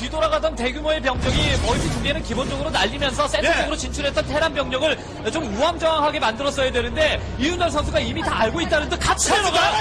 뒤돌아가던 대규모의 병력이 멀티 두 개는 기본적으로 날리면서 센터적으로 진출했던 테란 병력을 좀 우왕좌왕하게 만들었어야 되는데 이윤열 선수가 이미 다 알고 있다는 듯 같이 내려가요.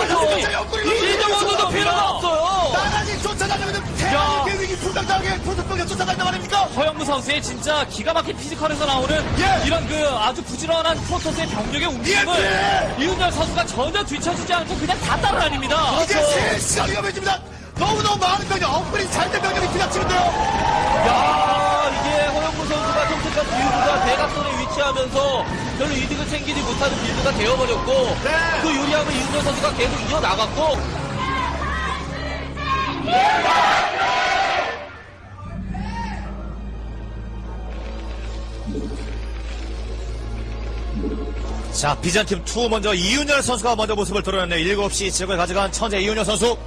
이정원도 필요가 없어요. 나란히 쫓아다니면 대한민국의 위기 불당당하게 프로토스가 쫓아다닌단 말입니까? 허영무 선수의 진짜 기가 막힌 피지컬에서 나오는 이런 그 아주 부지런한 프로토스의 병력의 움직임을 이윤열 선수가 전혀 뒤처지지 않고 그냥 다 따라다닙니다. 이게 실시간 위험해집니다. 너무너무 많은 병력, 업그레이드 잘된 병력이 뒤닥치는데요. 야, 이게 허영무 선수가 선택한 빌드가 대각선에 위치하면서 별로 이득을 챙기지 못하는 빌드가 되어버렸고 그 유리함을 이윤열 선수가 계속 이어나갔고 자, 비전팀 2 먼저 이윤열 선수가 먼저 모습을 드러냈네요. 7시 지역을 가져간 천재 이윤열 선수.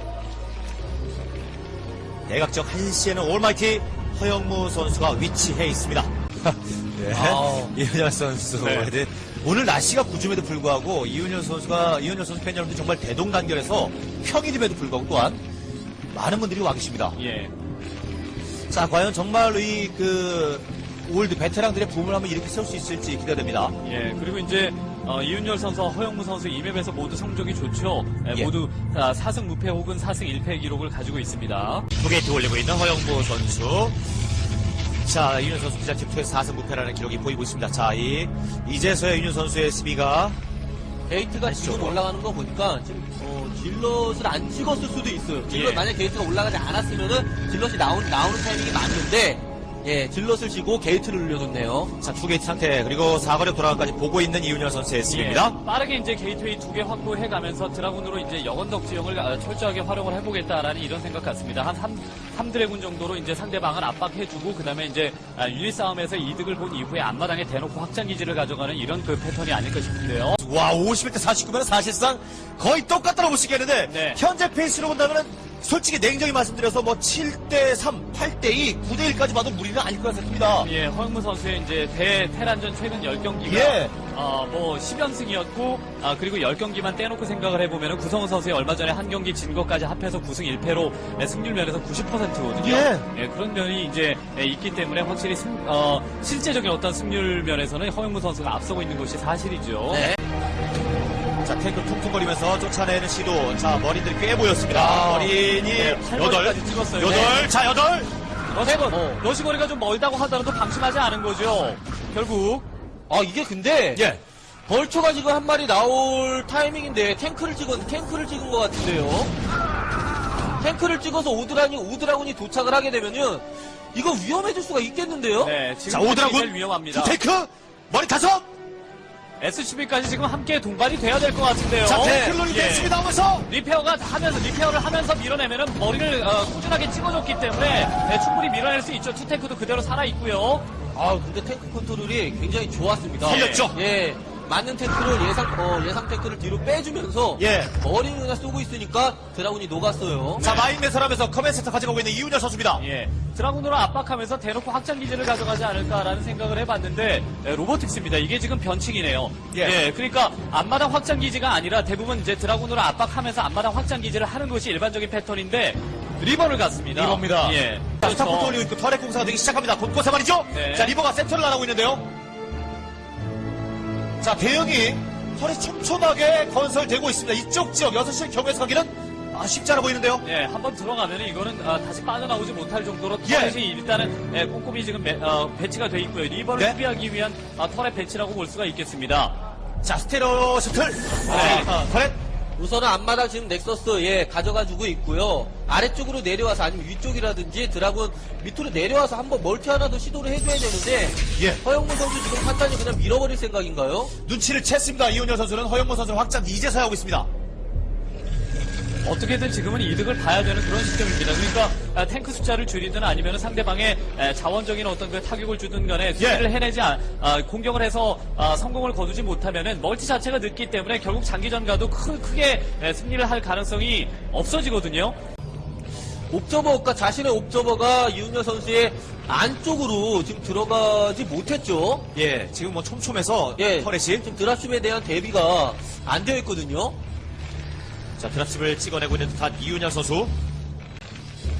대각적 1시에는 올마이티 허영무 선수가 위치해 있습니다. 네. 이윤열 선수. 네. 오늘 날씨가 구름에도 불구하고 이윤열 선수 팬 여러분들 정말 대동단결해서 평일임에도 불구하고 또한 많은 분들이 와 계십니다. 예. 자, 과연 정말 올드 베테랑들의 붐을 한번 이렇게 세울 수 있을지 기대됩니다. 예, 그리고 이제 이윤열 선수, 허영무 선수 이 맵에서 모두 성적이 좋죠. 모두 4승 무패 혹은 4승 1패 기록을 가지고 있습니다. 2게이트 올리고 있는 허영무 선수. 자, 이윤열 선수 비자팀 2에서 4승 무패라는 기록이 보이고 있습니다. 자, 이제서야 이윤열 선수의 수비가 게이트가 지금 올라가는 거 보니까 지금 질럿을 안 찍었을 수도 있어요. 질럿 만약 게이트가 올라가지 않았으면은 질럿이 나오는 타이밍이 맞는데 질럿을 지고 게이트를 올려줬네요. 자, 2게이트 상태 그리고 사거리 돌아가까지 보고 있는 이윤열 선수의 수비입니다. 빠르게 이제 게이트웨이 2개 확보해가면서 드라군으로 이제 영원덕 지형을 철저하게 활용을 해보겠다라는 이런 생각 같습니다. 한 3드래군 정도로 이제 상대방을 압박해주고 그다음에 이제 유닛 싸움에서 이득을 본 이후에 앞마당에 대놓고 확장기지를 가져가는 이런 그 패턴이 아닐까 싶은데요. 와, 51대 49면 사실상 거의 똑같다고 보시겠는데 네. 현재 페이스로 본다면 솔직히 냉정히 말씀드려서 7대3, 8대2, 9대1까지 봐도 무리는 아닐 것 같습니다. 예, 허영무 선수의 이제 테란전 최근 10경기가 예. 10연승이었고 그리고 10경기만 떼놓고 생각을 해보면 구성훈 선수의 얼마 전에 한 경기 진 것까지 합해서 9승 1패로 승률 면에서 90%거든요. 예. 그런 면이 이제 있기 때문에 확실히 실제적인 어떤 승률 면에서는 허영무 선수가 앞서고 있는 것이 사실이죠. 네. 자, 탱크 퉁퉁거리면서 쫓아내는 시도. 자, 머리들이 꽤 보였습니다. 머린이 8번까지 찍었어요. 8. 자, 8. 러시거리가 좀 멀다고 하더라도 방심하지 않은 거죠. 결국. 이게 근데 예. 벌초가 지금 한 마리 나올 타이밍인데 탱크를 찍은 것 같은데요. 탱크를 찍어서 오드라군이 도착을 하게 되면은 이거 위험해질 수가 있겠는데요. 네, 지금 자, 오드라군. 제일 위험합니다. 탱크. 머리 5. SCB까지 지금 함께 동반이 돼야 될 것 같은데요. 자, 탱크론이 됐습니다. 하면서. 리페어를 하면서 밀어내면은 머리를 꾸준하게 찍어줬기 때문에 충분히 밀어낼 수 있죠. 투탱크도 그대로 살아있고요. 근데 탱크 컨트롤이 굉장히 좋았습니다. 살렸죠? 예. 맞는 탱크를 예상 탱크를 뒤로 빼주면서 머리를 그냥 쏘고 있으니까 드라군이 녹았어요. 자, 마인 매설하면서 커맨 센터 가져가고 있는 이윤열 선수입니다. 예. 드라군으로 압박하면서 대놓고 확장기지를 가져가지 않을까라는 생각을 해봤는데 로보틱스입니다. 이게 지금 변칙이네요. 예. 그러니까 앞마당 확장기지가 아니라 대부분 이제 드라군으로 압박하면서 앞마당 확장기지를 하는 것이 일반적인 패턴인데 리버를 갔습니다. 리버입니다. 예. 자, 스타포트 올리고 있고 터렛 공사가 되기 시작합니다. 곳곳에 말이죠. 네. 자, 리버가 센터를 나가고 있는데요. 자, 대형이 터렛 촘촘하게 건설되고 있습니다. 이쪽 지역 6시 경우에서 가기는 쉽지 않아 보이는데요. 예, 한번 들어가면 이거는 다시 빠져나오지 못할 정도로 터렛이 일단은 꼼꼼히 지금 배치가 돼 있고요. 리버를 수비하기 위한 터렛 배치라고 볼 수가 있겠습니다. 자, 스테레오 셔틀. 터렛. 우선은 앞마당 지금 넥서스 가져가주고 있고요. 아래쪽으로 내려와서 아니면 위쪽이라든지 드라군 밑으로 내려와서 한번 멀티 하나 더 시도를 해줘야 되는데 허영무 선수 지금 판단이 그냥 밀어버릴 생각인가요? 눈치를 챘습니다. 이윤열 선수는 허영무 선수를 확장 이제서야 하고 있습니다. 어떻게든 지금은 이득을 봐야 되는 그런 시점입니다. 그러니까 탱크 숫자를 줄이든 아니면 상대방의 자원적인 어떤 그 타격을 주든 간에 수비를 해내지 공격을 해서 성공을 거두지 못하면은 멀티 자체가 늦기 때문에 결국 장기전 가도 크게 승리를 할 가능성이 없어지거든요. 옵저버가 자신의 옵저버가 이윤열 선수의 안쪽으로 지금 들어가지 못했죠. 지금 촘촘해서 터렛이 지금 드랍십에 대한 대비가 안 되어 있거든요. 자, 드랍십을 찍어내고 있는 듯한 이윤열 선수.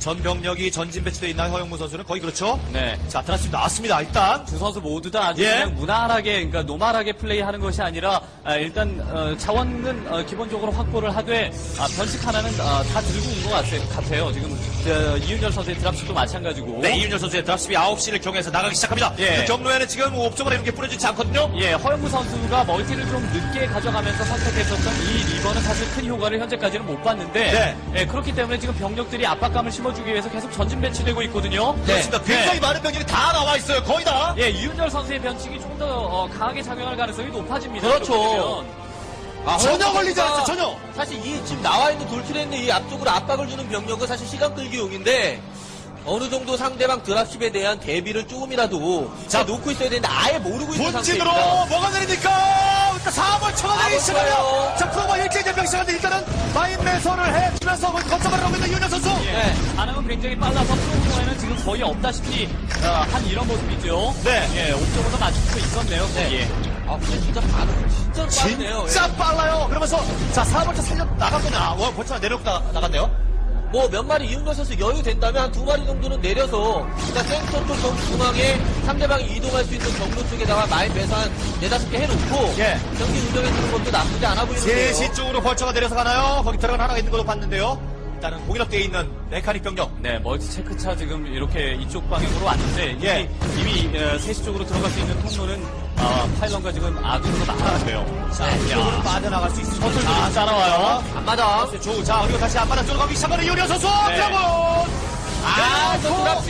전 병력이 전진 배치되어 있나요? 허영무 선수는 거의 그렇죠? 네. 자, 드라스 나왔습니다. 일단. 두 선수 모두 다 아주 예. 그냥 무난하게, 그러니까 노멀하게 플레이하는 것이 아니라 일단 자원은 기본적으로 확보를 하되 변칙 하나는 다 들고 온 것 같아요. 지금 이윤열 선수의 드랍슛도 마찬가지고. 네, 이윤열 선수의 드랍십이 9시를 경해서 나가기 시작합니다. 예. 그 경로에는 지금 옵저버가 이렇게 뿌려지지 않거든요. 예, 허영무 선수가 멀티를 좀 늦게 가져가면서 선택했었던 이 리버는 사실 큰 효과를 현재까지는 못 봤는데 네. 예, 그렇기 때문에 지금 병력들이 압박감을 심어주기 위해서 계속 전진 배치되고 있거든요. 그렇습니다. 굉장히 많은 병력이 다 나와 있어요. 거의 다. 예, 이윤열 선수의 변칙이 좀 더 강하게 작용할 가능성이 높아집니다. 그렇죠. 이렇게 되면. 전혀 허영무 걸리지 선수가 않았죠, 전혀. 사실 이 지금 나와 있는 돌출에 있는 이 앞쪽으로 압박을 주는 병력은 사실 시간 끌기용인데 어느 정도 상대방 드랍십에 대한 대비를 조금이라도 자 놓고 있어야 되는데 아예 모르고 있는 본진으로 상태입니다. 뭐가 내립니까? 일단 4번 쳐내기 4번 시작하며 쳐요. 자, 프로가 일제히 대병 시작하는데 일단은 마인 매설을 해주면서 거점을 하고 있는 이윤열 선수. 예, 네. 반응은 굉장히 빨라서 프로그램에는 지금 거의 없다시피 한 이런 모습이죠. 네. 예, 옵저버도 맞출 수 있었네요. 네. 예. 아 근데 진짜 반응 진짜 빠르네요. 진짜 빨라요. 그러면서 자, 4번 차 살려 나갔구나. 벌써 내려오다 나갔네요. 뭐 몇 마리 이윤열 선수 여유 된다면 한 2마리 정도는 내려서 일단 센터 쪽 중앙에 상대방이 이동할 수 있는 경로 쪽에다가 마인 매서 한 4-5개 해놓고 예. 경기 운영해주는 것도 나쁘지 않아 보이는데요. 3시 쪽으로 벌처가 내려서 가나요? 거기 들어간 하나가 있는 걸로 봤는데요. 일단은 공격되어 있는 메카닉 병력. 네, 멀티 체크차 지금 이렇게 이쪽 방향으로 왔는데 예. 이미 3시 쪽으로 들어갈 수 있는 통로는 파일런과 지금 아둔으로 나가는데요. 자, 이쪽으로 빠져나갈 수 있습니다. 선수들이 좀 따라와요. 앞마당. 자, 그리고 다시 앞바닥 쪽으로 가기 시작하는 이윤열 선수. 네. 드라곤. 저 드랍십!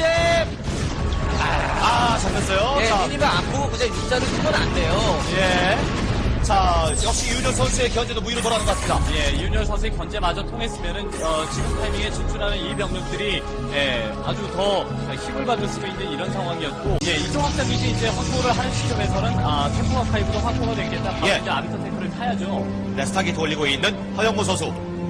잡혔어요. 예, 자, 미니맵 안 보고 그냥 육자를 쓰면 안 돼요. 예. 자, 역시 이윤열 선수의 견제도 무위로 돌아가는 것 같습니다. 예, 이윤열 선수의 견제마저 통했으면은 지금 타이밍에 진출하는 이 병력들이 아주 더 힘을 받을 수도 있는 이런 상황이었고, 예, 이쪽 확장기지 이제 확보를 하는 시점에서는 템포 아카이브도 확보가 되겠다. 바로 예. 이제 아비터 탱크를 타야죠. 네, 스타게이트 올리고 있는 허영무 선수.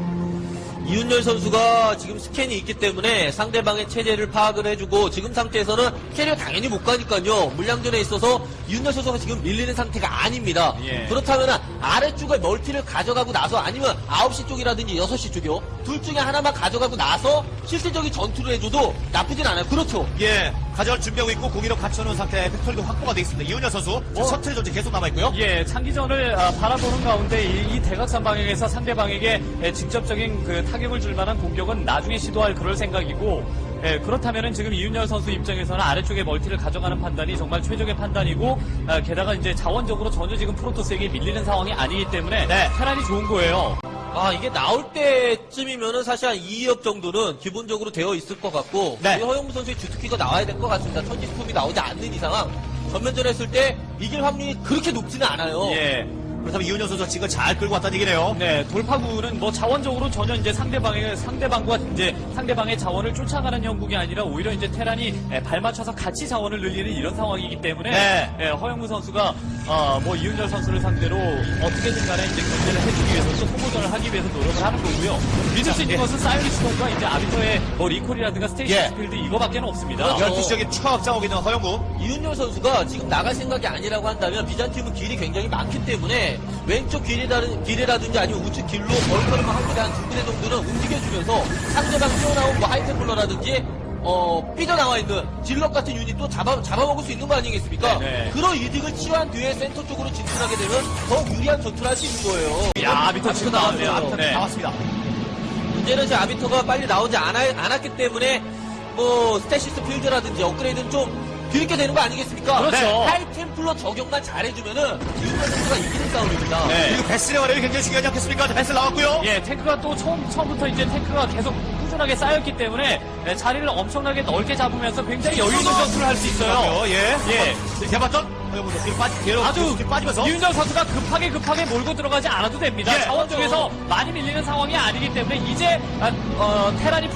이윤열 선수가 지금 스캔이 있기 때문에 상대방의 체제를 파악을 해주고 지금 상태에서는 캐리어 당연히 못 가니까요. 물량전에 있어서 이윤열 선수가 지금 밀리는 상태가 아닙니다. 예. 그렇다면 아래쪽에 멀티를 가져가고 나서 아니면 9시 쪽이라든지 6시 쪽이요. 둘 중에 하나만 가져가고 나서 실질적인 전투를 해줘도 나쁘진 않아요. 그렇죠. 예, 가져갈 준비하고 있고 공이로 갖춰놓은 상태에 팩토리도 확보가 되어 있습니다. 이윤열 선수. 셔틀의 존재 계속 남아있고요. 예, 창기전을 바라보는 가운데 이 대각선 방향에서 상대방에게 직접적인 그 타격을 줄 만한 공격은 나중에 시도할 그럴 생각이고, 그렇다면은 지금 이윤열 선수 입장에서는 아래쪽에 멀티를 가져가는 판단이 정말 최적의 판단이고, 게다가 이제 자원적으로 전혀 지금 프로토스에게 밀리는 상황이 아니기 때문에 네. 테란이 좋은 거예요. 이게 나올 때쯤이면은 사실 한 2업 정도는 기본적으로 되어 있을 것 같고 네. 우리 허영무 선수의 주특기가 나와야 될 것 같습니다. 천지스톰이 나오지 않는 이상 전면전 했을 때 이길 확률이 그렇게 높지는 않아요. 예. 그렇다면 이윤열 선수가 지금 잘 끌고 왔다는 얘기네요. 네, 돌파구는 뭐 자원적으로 전혀 이제 상대방과 이제 상대방의 자원을 쫓아가는 형국이 아니라 오히려 이제 테란이 발 맞춰서 같이 자원을 늘리는 이런 상황이기 때문에 네. 허영무 선수가 뭐 이윤열 선수를 상대로 어떻게든 간에 이제 견제를 해주기 위해서 또 소모전을 하기 위해서 노력을 하는 거고요. 믿을 수 있는 것은 사이언리스톤과 이제 아비터의 뭐 리콜이라든가 스테이션 예. 스필드 이거밖에는 없습니다. 그렇죠. 12시적인 추가 확장하고 있는 허영무. 이윤열 선수가 지금 나갈 생각이 아니라고 한다면 비잔팀은 길이 굉장히 많기 때문에 왼쪽 길이라든지 아니면 우측 길로 벌거리만 한 군데 한 2군데 정도는 움직여주면서 상대방 튀어나온 뭐 하이템플러라든지 삐져나와 있는 질럿 같은 유닛도 잡아먹을 수 있는 거 아니겠습니까? 네. 그런 이득을 취한 뒤에 센터 쪽으로 진출하게 되면 더 유리한 전투를 할 수 있는 거예요. 야, 아비터 지금 나왔네요. 나왔어요. 네. 나왔습니다. 문제는 이제 아비터가 빨리 나오지 않았기 때문에 뭐 스태시스 필드라든지 업그레이드는 좀 뒤늦게 되는 거 아니겠습니까? 그렇죠. 네. 하이템플러 적용만 잘해주면은 이윤열 선수가 이기는 싸움입니다. 네. 그리고 베슬의 활약이 굉장히 중요하지 않겠습니까? 베슬 나왔고요. 예, 탱크가 또 처음부터 이제 탱크가 계속 꾸준하게 쌓였기 때문에 자리를 엄청나게 넓게 잡으면서 굉장히 여유 있는 전투를 할 수 있어요. 예. 예. 대봤던 허영무 선수 뒤로 아주 뒤로 빠지면서. 이윤정 선수가 급하게 몰고 들어가지 않아도 됩니다. 예, 자원 쪽에서 많이 밀리는 상황이 아니기 때문에 이제 테란이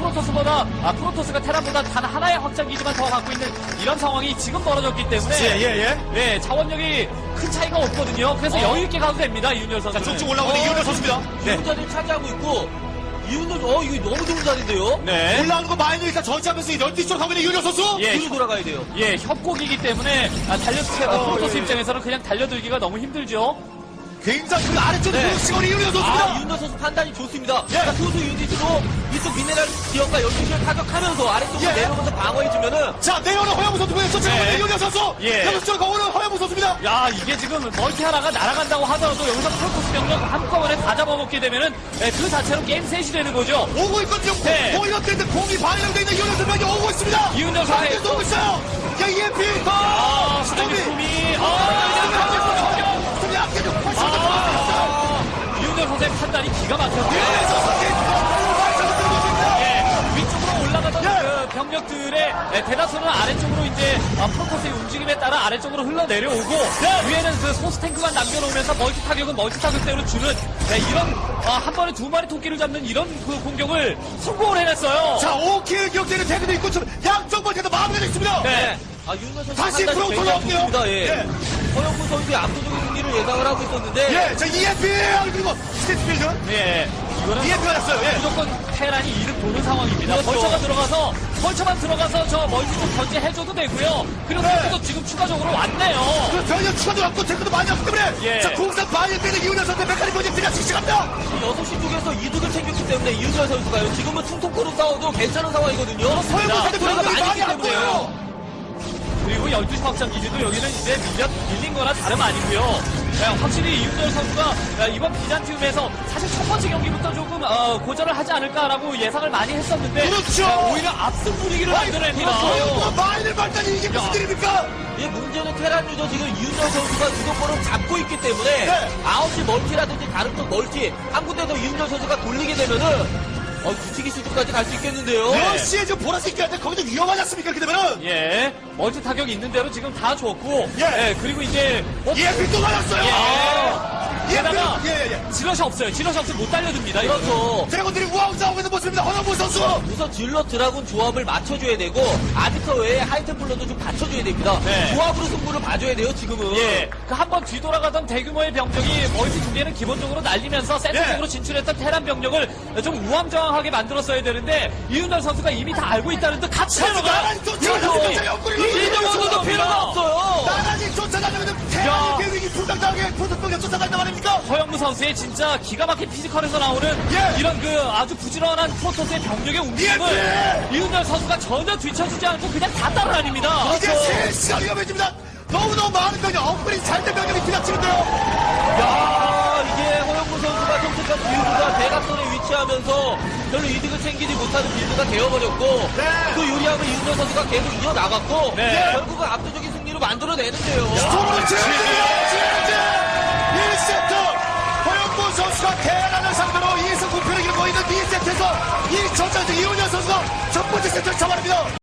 프로토스가 테란보다 단 하나의 확장기지만 더 갖고 있는 이런 상황이 지금 벌어졌기 때문에 예. 자원력이 큰 차이가 없거든요. 그래서 여유 있게 가도 됩니다. 이윤열 선수. 자, 쭉쭉 올라오는 이윤열 선수입니다. 좋은 자리를 차지하고 있고 이윤열 이거 너무 좋은 자리인데요. 네. 올라오는 거 마이너 일단 전시하면서 12시로 가고 있는 이윤열 선수. 예, 뒤로 돌아가야 돼요. 예, 협곡이기 때문에 프로토스 입장에서는 그냥 달려들기가 너무 힘들죠. 굉장히 그 아래쪽에 네. 들어치고 이윤현 선수입니다. 이윤열 선수 판단이 좋습니다. 예. 그러니까 소수 유닛으로 이쪽 미네랄 지역과 12시를 타격하면서 아래쪽으로 예. 내려오면서 방어해주면은 자, 내려오는 허영무 선수고요. 쫓아가는 네. 이윤현 선수. 예. 여기서 쫓아가오는 허영무 선수입니다. 야, 이게 지금 멀티 하나가 날아간다고 하더라도 여기서 프로토스 병력 한꺼번에 다 잡아먹게 되면은 그 자체로 게임 셋이 되는 거죠. 오고 있거든요. 네. 공이 되는데 공이 반영되어 있는 이윤현 선수에게 오고 있습니다. 이윤현 선수. 반대도 오고 있어요. 야, EMP. 스톰이. 스톰이 앞뒤로 이윤열 선수의 판단이 기가 막혔고요. 위쪽으로 올라가던 그 병력들의 대다수는 아래쪽으로 이제 프로토스의 움직임에 따라 아래쪽으로 흘러내려오고 위에는 그 소스 탱크만 남겨놓으면서 멀티 타격은 멀티 타격대로 주는 이런 한 번에 두 마리 토끼를 잡는 이런 그 공격을 성공을 해냈어요. 자, 5킬 기록되는 태그도 있고 좀 양쪽 멀티도 마무리가 됐습니다. 네. 이윤열 선수 다시 판단이 프로토스 굉장히 나올게요. 좋습니다. 예. 예. 허영무 선수의 압도적인 승리를 예상을 하고 있었는데 예, 자, EMP 그리고 스테이트필드. 예. 이거는 EMP가 났어요. 예. 무조건 테란이 이득 보는 상황입니다. 그렇죠. 벌처만 들어가서 저 멀티 좀 견제해줘도 되고요. 그리고 탱크도 지금 추가적으로 왔네요. 그 변형 추가도 왔고 태그도 많이 왔기 때문에 예. 자, 공산 반일 때는 이윤현 선수의 메카닉 프로젝트가 실시합니다. 6시 쪽에서 이득을 챙겼기 때문에 이윤열 선수가요. 지금은 퉁퉁코로 싸워도 괜찮은 상황이거든요. 허영무 선수 소리가 병력이 많이 많이 있기 안 때문에요. 보여요. 그리고 12시 확장 기지도 여기는 이제 밀린 거나 다름 아니고요. 확실히 이윤열 선수가 이번 비잔티움에서 사실 첫 번째 경기부터 조금 고전을 하지 않을까라고 예상을 많이 했었는데 그렇죠. 오히려 앞선 분위기를 만들어냅니다. 허영무가 마인을 발단이 이게 무슨 일입니까? 예, 문제는 테란 유저 지금 이윤열 선수가 주도권을 잡고 있기 때문에 네. 9시 멀티라든지 다른 쪽 멀티 한 군데서 이윤열 선수가 돌리게 되면은 굳히기 수준까지 갈 수 있겠는데요. 몇 시에 지금 보라색 있긴 한데 거기도 위험하지 않습니까? 이렇게 되면은 예, 멀티 타격이 있는 대로 지금 다 줬고, 예. 그리고 이제 EMP 또 맞았어요. 게다가 예. 질럿이 없어요. 질럿이 없으면 못 달려듭니다. 이거. 그렇죠. 드래곤들이 우왕 싸우고 있는 모습입니다. 허영무 선수. 우선 질럿 드라군 조합을 맞춰줘야 되고 아비터 외에 하이템플러도 좀 받쳐줘야 됩니다. 네. 조합으로 승부를 봐줘야 돼요 지금은. 예, 그 한 번 뒤돌아가던 대규모의 병력이 멀티 두 개는 기본적으로 날리면서 센터적으로 진출했던 테란 병력을 좀 우왕좌왕하게 만들었어야 되는데 이윤열 선수가 이미 다 알고 있다는 듯 같이 나란히 들어가요. 쫓아가는 이정도도 필요가 없어요. 나란히 쫓아가는 야. 대한민국 위기 불당당하게 프로토스가 쫓아간단 말입니까? 허영무 선수의 진짜 기가 막힌 피지컬에서 나오는 예. 이런 그 아주 부지런한 프로토스의 병력의 움직임을 예. 이윤열 선수가 전혀 뒤처지지 않고 그냥 다 따라다닙니다. 이게 실시간 위험해집니다. 너무너무 많은 병력, 업그레이드 잘된 병력이 뒤닥치는데요. 야, 이게 허영무 선수가 선택한 빌드가 대각선에 위치하면서 별로 이득을 챙기지 못하는 빌드가 되어버렸고 네. 그 유리함을 이윤열 선수가 계속 이어나갔고 네. 결국은 압도적인 승리로 만들어내는데요. 스톱으로 지지! 1세트! 허영무 선수가 대란을 상대로 2승 9패를 이루고 있는 2세트에서 이 전장적 이훈현 선수가 첫 번째 세트를 잡아냅니다.